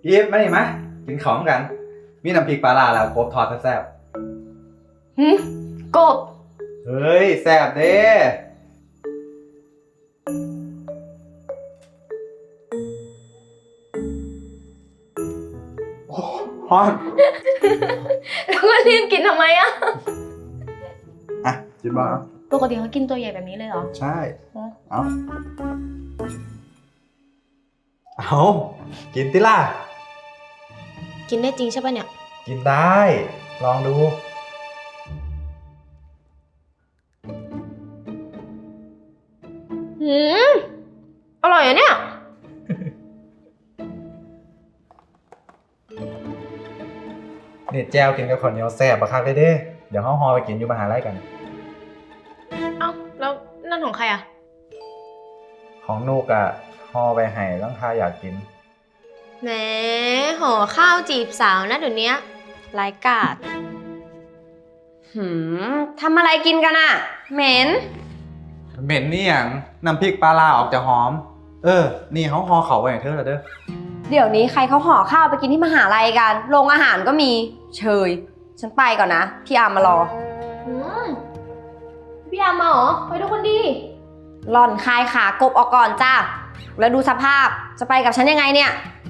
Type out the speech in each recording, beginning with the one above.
พีฟมาดิมะกินของกัน มีน้ำพริกปลาร้าแล้วกบทอดแซ่บหืมกบเฮ้ยแซ่บเด้โอ้ฮอนแล้วก็รีบกินทำไมอะอ่ะกินบ้างปกติเขากินตัวใหญ่แบบนี้เลยเหรอใช่ เอาเอากินติล่ะกินได้จริงใช่ปะเนี่ยกินได้ ลองดูหืมอร่อยอะเนี่ยเด็ดแจวกินกับข้าวเหนียวแซ่บบักคักเลยเด้ เดี๋ยวเฮาฮอไปกินอยู่มหาลัยกันเอ้าแล้วนั่นของใครอะของนูกอะฮอไปให้ร่างทาอยากกินแหมห่อข้าวจีบสาวนะเดี๋ยวนี้รายกาดทำอะไรกินกันอะเหม็นเหม็นนี่อย่างน้ำพริกปลาร้าออกจะหอม นี่เขาฮอเขาไว้ให้เธอแล้วเด้อเดี๋ยวนี้ใครเขาห่อข้าวไปกินที่มหาลัยกัน โรงอาหารก็มี เชย ฉันไปก่อนนะ พี่อามมารอพี่ยามมาเหรอ ไปทุกคนดีหล่อนคายขากบออกก่อนจ้า แล้วดูสภาพ จะไปกับฉันยังไงเนี่ย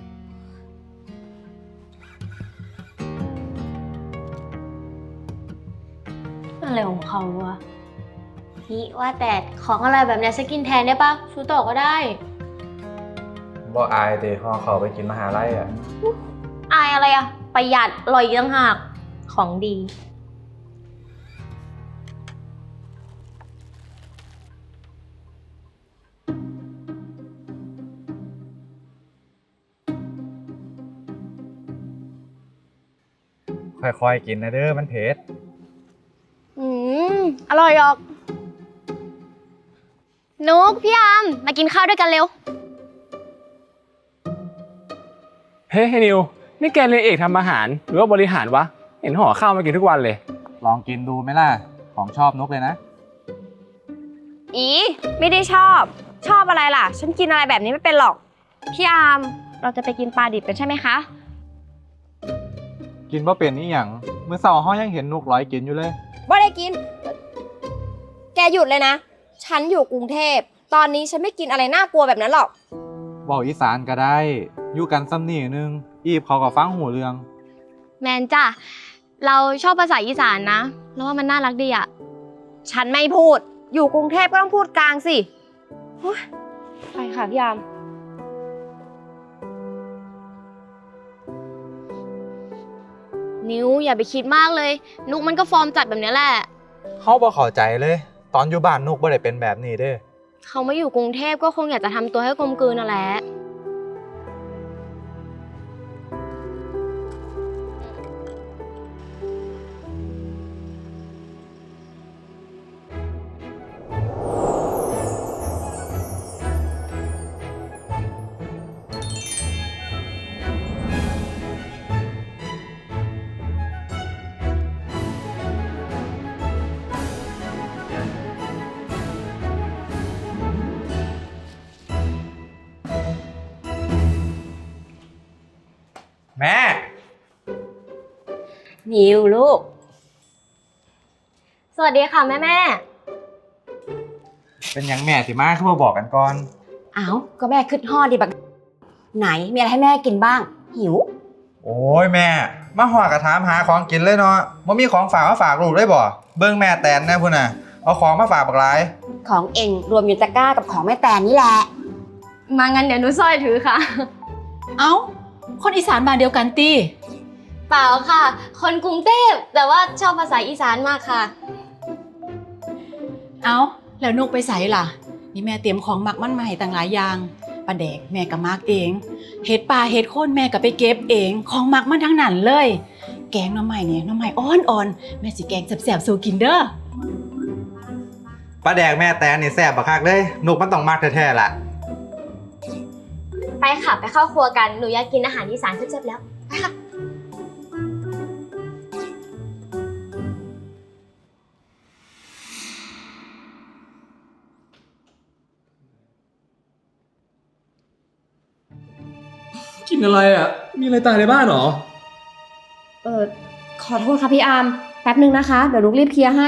อะไรของเขาวะพี่ว่าแต่ของอะไรแบบเนี้ยฉันกินแทนได้ปะซื้อต่อก็ได้บ่อายเดฮอเขาไปกินมหาลัยอะอายอะไรอะประหยัดอร่อยอีกต่างหากของดีค่อยๆกินนะเด้อมันเผ็ดอร่อยออกนุกพี่ยามมากินข้าวด้วยกันเร็วเฮ้ยนิวนี่แกเรียนเอกทำอาหารหรือว่าบริหารวะ เห็นห่อข้าวมากินทุกวันเลยลองกินดูไหมล่ะ ของชอบนุกเลยนะอีไม่ได้ชอบ ชอบอะไรล่ะ ฉันกินอะไรแบบนี้ไม่เป็นหรอก พี่อาม เราจะไปกินปลาดิบกันใช่ไหมคะกินว่าเป็นนี่อย่างเมื่อเสาร์เฮายังเห็นนุกร้อยกินอยู่เลยบ่ได้กิน แกหยุดเลยนะ ฉันอยู่กรุงเทพ ตอนนี้ฉันไม่กินอะไรน่ากลัวแบบนั้นหรอกเว้าอีสานก็ได้ อยู่กันซ้ำนี่นึง อีบเขาก็ฟังหูเรื่องแมนจ้ะเราชอบภาษาอีสานนะแล้วว่ามันน่ารักดีอะฉันไม่พูด อยู่กรุงเทพก็ต้องพูดกลางสิโอ๊ยไปค่ะพี่อามนิวอย่าไปคิดมากเลย นุกมันก็ฟอร์มจัดแบบนี้แหละเขาบ่เข้าใจเลย ตอนอยู่บ้านนุกบ่ได้เป็นแบบนี้เด้เขามาอยู่กรุงเทพก็คงอยากจะทำตัวให้กลมกลืนนั่นแหละแม่นิวลูกสวัสดีค่ะแม่เป็นหยังแม่สิมาคือบ่บอกกันก่อนอ้าวก็แม่ขึ้นห่อดิบักไหน มีอะไรให้แม่กินบ้าง หิวโอ้ยแม่ มาหอดกระถามหาของกินเลยเนาะบ่มีของฝากมาฝากลูกได้บ่ เบิ่งแม่แตนแน่พุ่นน่ะ เอาของมาฝากบักหลายของเองรวมอยู่ตะกร้ากับของแม่แตนนี่แหละมางั้นเดี๋ยวหนูสร้อยถือค่ะเอ้า คนอีสานบ้านเดียวกันตีเปล่าค่ะ คนกรุงเทพแต่ว่าชอบภาษาอีสานมากค่ะเอ้า แล้วนุกไปใส่ล่ะ นี่แม่เตรียมของหมักมันมาให้ต่างหลายอย่างปลาแดกแม่ก็มักเอง เห็ดปลาเห็ดโคนแม่ก็ไปเก็บเอง ของหมักมันทั้งนั้นเลย แกงหน่อไม้เนี่ยหน่อไม้อ่อนๆ แม่สิแกงแซ่บๆสู่กินเด้อปลาแดกแม่แตนนี่แซ่บบักคักเลย นุกมันต้องมักแท้ๆล่ะไปค่ะไปเข้าครัวกันหนูอยากกินอาหารอีสานแซ่บๆแล้วไปค่ะกินอะไรอ่ะ มีอะไรตายในบ้านเหรอขอโทษค่ะพี่อาร์มแป๊บนึงนะคะ เดี๋ยวนุกรีบเคลียร์ให้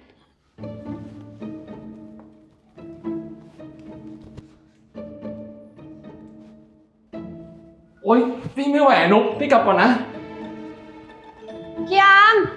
โอ๊ย พี่ไม่ไหวอะนุ๊กพี่กลับก่อนนะพี่อาร์ม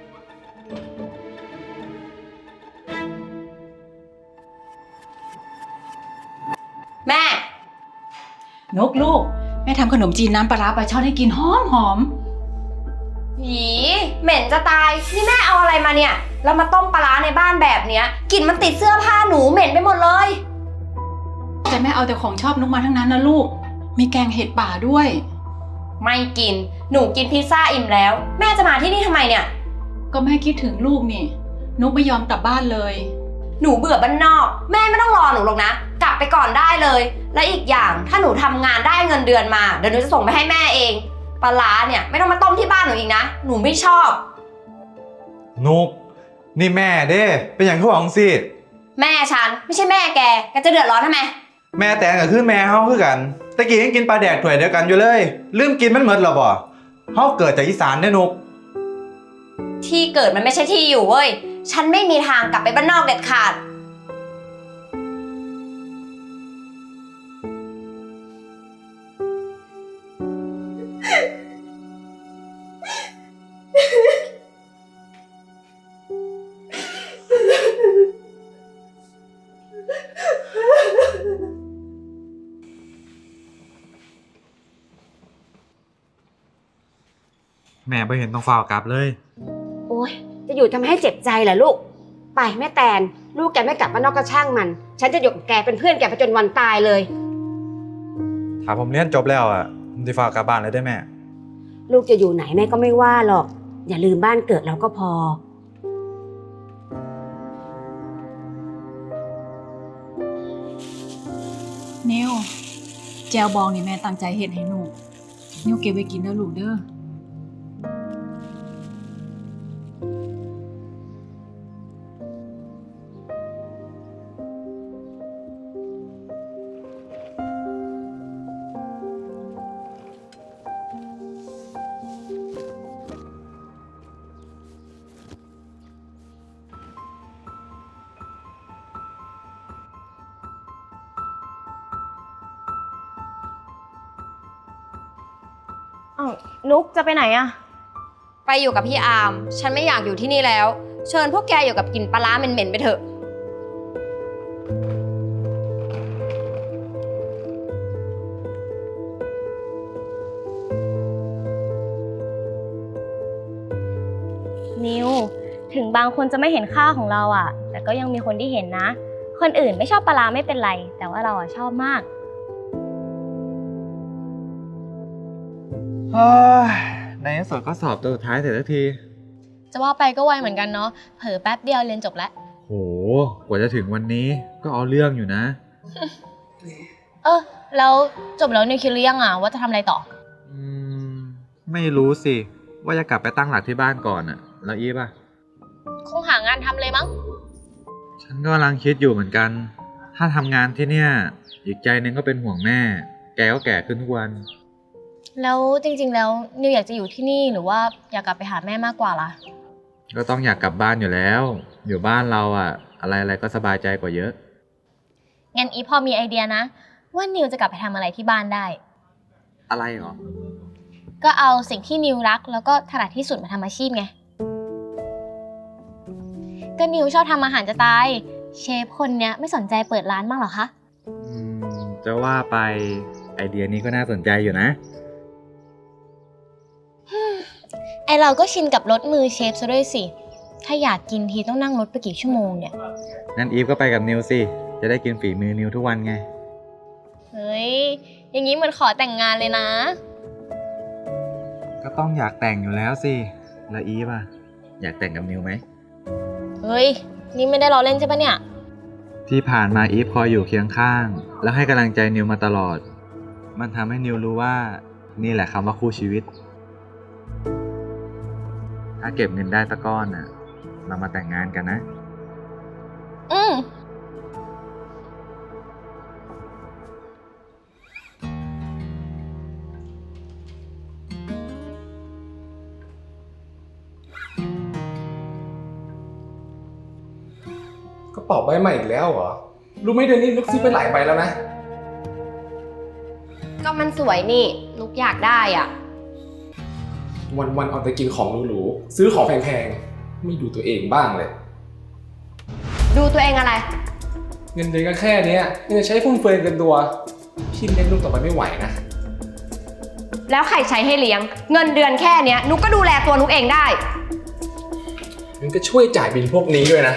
แม่นกลูกแม่ทำขนมจีนน้ำปลาร้าปลาช่อนให้กินหอมหอมหีเหม็นจะตาย นี่แม่เอาอะไรมาเนี่ย แล้วมาต้มปลาร้าในบ้านแบบเนี้ยกลิ่นมันติดเสื้อผ้าหนูเหม็นไปหมดเลยแต่แม่เอาแต่ของชอบนกมาทั้งนั้นนะลูก มีแกงเห็ดป่าด้วยไม่กิน หนูกินพิซซ่าอิ่มแล้ว แม่จะมาที่นี่ทำไมเนี่ยก็แม่คิดถึงลูกนี่นกไม่ยอมกลับบ้านเลยหนูเบื่อบ้านนอก แม่ไม่ต้องรอหนูหรอกนะ กลับไปก่อนได้เลย และอีกอย่างถ้าหนูทำงานได้เงินเดือนมาเดี๋ยวหนูจะส่งไปให้แม่เอง ปลาร้าเนี่ยไม่ต้องมาต้มที่บ้านหนูอีกนะ หนูไม่ชอบนุกนี่แม่เด้เป็นอย่างที่หวังสิแม่ฉันไม่ใช่แม่แกจะเดือดร้อนทำไมแม่แตนกับคือแม่เฮาคือกันตะกี้ยังกินปลาแดกถ้วยเดียวกันอยู่เลยลืมกินมันหมดหรอบ่เฮาเกิดจากอีสานเด้นุกที่เกิดมันไม่ใช่ที่อยู่เว้ย ฉันไม่มีทางกลับไปบ้านนอกเด็ดขาดแม่บ่เห็นต้องฝ่าวกลับเลยโอ๊ย จะอยู่ทำให้เจ็บใจเหรอลูก ไปแม่แตน ลูกแกไม่กลับบ้านนอกก็ช่างมัน ฉันจะอยู่กับแกเป็นเพื่อนแกไปจนวันตายเลยถ้าผมเรียนจบแล้วอ่ะผมสิฝ่าวกลับบ้านเลยได้แม่ลูกจะอยู่ไหนแม่ก็ไม่ว่าหรอก อย่าลืมบ้านเกิดเราก็พอนิวแจวบองนี่แม่ตั้งใจเฮ็ดให้หนูนิวเก็บไว้กินเด้อลูกเด้ออ้าวนุกจะไปไหนอะไปอยู่กับพี่อาร์ม ฉันไม่อยากอยู่ที่นี่แล้ว เชิญพวกแกอยู่กับกลิ่นปลาร้าเหม็นๆไปเถอะนิว ถึงบางคนจะไม่เห็นค่าของเราอ่ะ แต่ก็ยังมีคนที่เห็นนะ คนอื่นไม่ชอบปลาร้าไม่เป็นไร แต่ว่าเราอ่ะชอบมากเฮ้ยในที่สุดก็สอบตัวสุดท้ายเสร็จสักทีจะว่าไปก็ไวเหมือนกันเนาะ เผลอแป๊บเดียวเรียนจบแล้วโห กว่าจะถึงวันนี้ก็เอาเรื่องอยู่นะแล้วจบแล้วนิวคิดหรือยังอ่ะว่าจะทำอะไรต่ออืม ไม่รู้สิ ว่าจะกลับไปตั้งหลักที่บ้านก่อนอะแล้วอีฟอะคงหางานทำเลยมั้งฉันก็กำลังคิดอยู่เหมือนกัน ถ้าทำงานที่เนี่ย อีกใจหนึงก็เป็นห่วงแม่ แกก็แก่ขึ้นทุกวันแล้วจริงๆแล้วนิวอยากจะอยู่ที่นี่หรือว่าอยากกลับไปหาแม่มากกว่าล่ะก็ต้องอยากกลับบ้านอยู่แล้ว อยู่บ้านเราอะอะไรๆก็สบายใจกว่าเยอะงั้นอีพอมีไอเดียนะ ว่านิวจะกลับไปทำอะไรที่บ้านได้อะไรหรอก็เอาสิ่งที่นิวรักแล้วก็ถนัดที่สุดมาทำอาชีพไง ก็นิวชอบทำอาหารจะตาย เชฟคนเนี้ยไม่สนใจเปิดร้านบ้างเหรอคะจะว่าไปไอเดียนี้ก็น่าสนใจอยู่นะไอเราก็ชินกับรถมือเชฟซะด้วยสิ ถ้าอยากกินทีต้องนั่งรถไปกี่ชั่วโมงเนี่ยงั้นอีฟก็ไปกับนิวสิ จะได้กินฝีมือนิวทุกวันไงเฮ้ย อย่างนี้เหมือนขอแต่งงานเลยนะก็ต้องอยากแต่งอยู่แล้วสิ แล้วอีฟอะอยากแต่งกับนิวไหมเฮ้ย นี่ไม่ได้ล้อเล่นใช่ปะเนี่ยที่ผ่านมาอีฟคอยอยู่เคียงข้าง แล้วให้กำลังใจนิวมาตลอด มันทำให้นิวรู้ว่านี่แหละคำว่าคู่ชีวิต ถ้าเก็บเงินได้สักก้อนน่ะ เรามาแต่งงานกันนะอืมกระเป๋าใบใหม่อีกแล้วเหรอ รู้ไหมเดือนนี้นุกซื้อไปหลายใบแล้วนะก็มันสวยนี่นุกอยากได้อ่ะวันๆเอาแต่กินของหรูๆซื้อของแพงๆ ไม่ดูตัวเองบ้างเลยดูตัวเองอะไรเงินเดือนก็แค่เนี้ยยังจะใช้ฟุ่มเฟือยเกินตัว พี่เลี้ยงลูกต่อไปไม่ไหวนะแล้วใครใช้ให้เลี้ยง เงินเดือนแค่เนี้ยนุกก็ดูแลตัวนุกเองได้มันก็ช่วยจ่ายบิลพวกนี้ด้วยนะ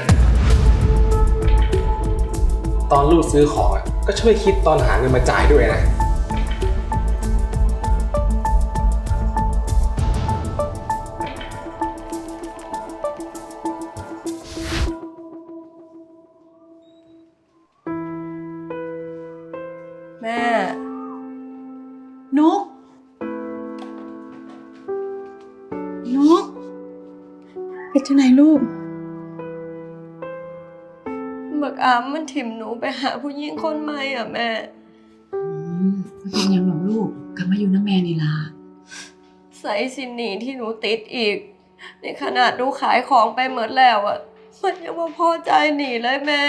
ตอนลูกซื้อของอ่ะก็ช่วยคิดตอนหาเงินมาจ่ายด้วยนะแม่นุกนุกเป็นจังไหนลูกบักอามมันถิ่มหนูไปหาผู้หญิงคนใหม่อ่ะแม่มันเป็นหยังหรอกลูกกลับมาอยู่น้ำแม่นี่ล่ะใส่สินหนีที่หนูติดอีก ในขนาดหนูขายของไปหมดแล้วอ่ะ มันยังมาพอใจหนีเลยแม่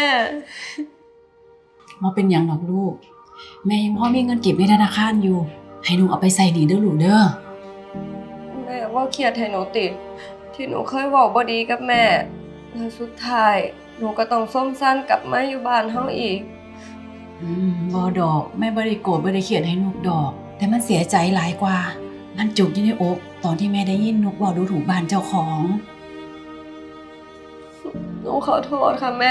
มาเป็นหยังหรอกลูก แม่ยังพ่อมีเงินเก็บในธนาคารอยู่ ให้หนูเอาไปใส่หนีเด้อลูกเด้อแม่ว่าเครียดให้หนูติด ที่หนูเคยบอกบ่ดีกับแม่แล้วสุดท้ายหนูก็ต้องส้มสั้นกลับมาอยู่บ้านเฮาอีกบ่ดอกแม่บ่ได้โกรธบ่ได้เขียดให้นุกดอก แต่มันเสียใจหลายกว่า มันจุกอยู่ในอกตอนที่แม่ได้ยินนุกบอกดูถูกบ้านเจ้าของหนูขอโทษค่ะแม่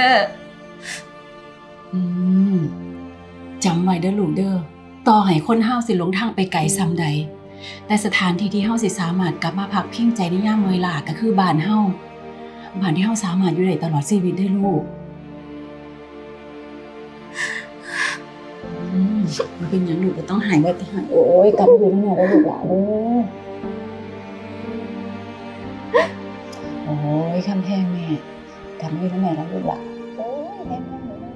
จำไว้เด้อลูกเด้อต่อให้คนเฮาสิหลงทางไปไกลซ้ำใด แต่สถานที่ที่เฮาสิสามารถกลับมาพักพิงใจในยามเมื่อยล้าก็คือบ้านเฮาบ้านที่เฮาสามารถอยู่ได้ตลอดชีวิตได้อลูกมันเป็นหยังลูกก็ต้องหายแบบหายโอ้ยกลับมาอยู่ที่นี่แล้วลูกหลานเด้อโอ้ยคำแพงแม่กลับมาอยู่ที่นี่แล้วลูกหลานโอ้ยแพงแม่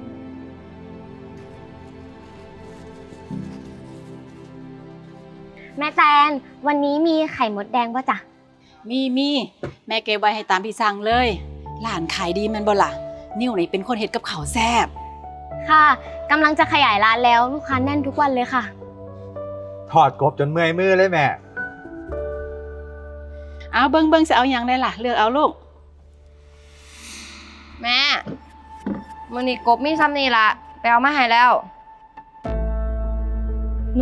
แม่แตนวันนี้มีไข่มดแดงป่ะจ๊ะมีแม่เก็บไว้ให้ตามที่สั่งเลยหลานขายดีแมันบ่ล่ะนิ้วนี่เป็นคนเฮ็ดกับข้าวแซ่บค่ะกำลังจะขยายร้านแล้วลูกค้าแน่นทุกวันเลยค่ะถอดกบจนเมื่อยมือเลยแม่เอาเบิ่งสิเอาหยังได้ล่ะเลือกเอาลูกแม่มื้อนี้กบมีซ้ำนี่ละไปเอามาให้แล้วหนู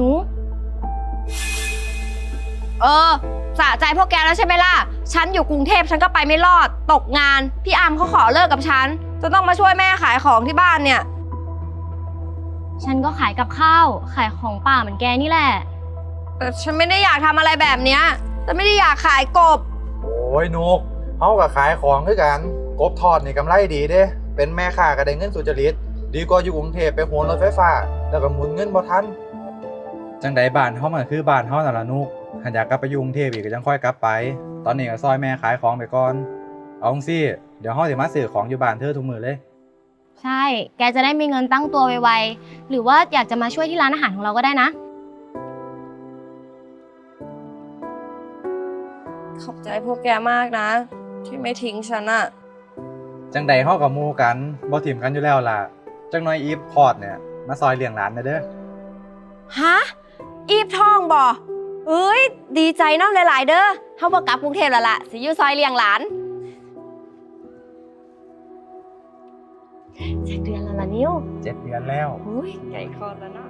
สะใจพวกแกแล้วใช่ไหมล่ะ ฉันอยู่กรุงเทพฉันก็ไปไม่รอด ตกงาน พี่อามเขาขอเลิกกับฉันจนต้องมาช่วยแม่ขายของที่บ้านเนี่ยฉันก็ขายกับข้าวขายของป่าเหมือนแกนี่แหละแต่ฉันไม่ได้อยากทำอะไรแบบเนี้ยแต่ไม่ได้อยากขายกบโอ้ยนุกเฮากับขายของคือกัน กบทอดนี่กำไรดีเด้ เป็นแม่ค้าก็ได้เงินสุจริต ดีกว่าอยู่กรุงเทพไปโหนรถไฟฟ้า แล้วก็หมุนเงินบ่ทัน จังใดบ้านเฮามันคือบ้านเฮานั่นล่ะนุกหันอยากกลับไปอยู่กรุงเทพอีกก็จังค่อยกลับไป ตอนนี้ก็ซอยแม่ขายของไปก่อน เอาจังซี่ เดี๋ยวเฮาสิมาซื้อของอยู่บ้านเธอทุกมื้อเลยใช่ แกจะได้มีเงินตั้งตัวไวๆหรือว่าอยากจะมาช่วยที่ร้านอาหารของเราก็ได้นะขอบใจพวกแกมากนะ ที่ไม่ทิ้งฉันอะจังใดเฮากับหมู่กันบ่ถิ่มกันอยู่แล้วล่ะ จังน้อยอีฟพอดเนี่ยมาซอยเลี้ยงหลานเด้อฮะ อีฟทองบ่เอ้ย ดีใจเนาะหลายๆเด้อเฮาบ่กลับกรุงเทพแล้วล่ะสิอยู่ซอยเลี้ยงหลาน 7 เดือนแล้วล่ะนิ้ว 7 เดือนแล้วอุ้ยใหญ่คอแล้วเนาะ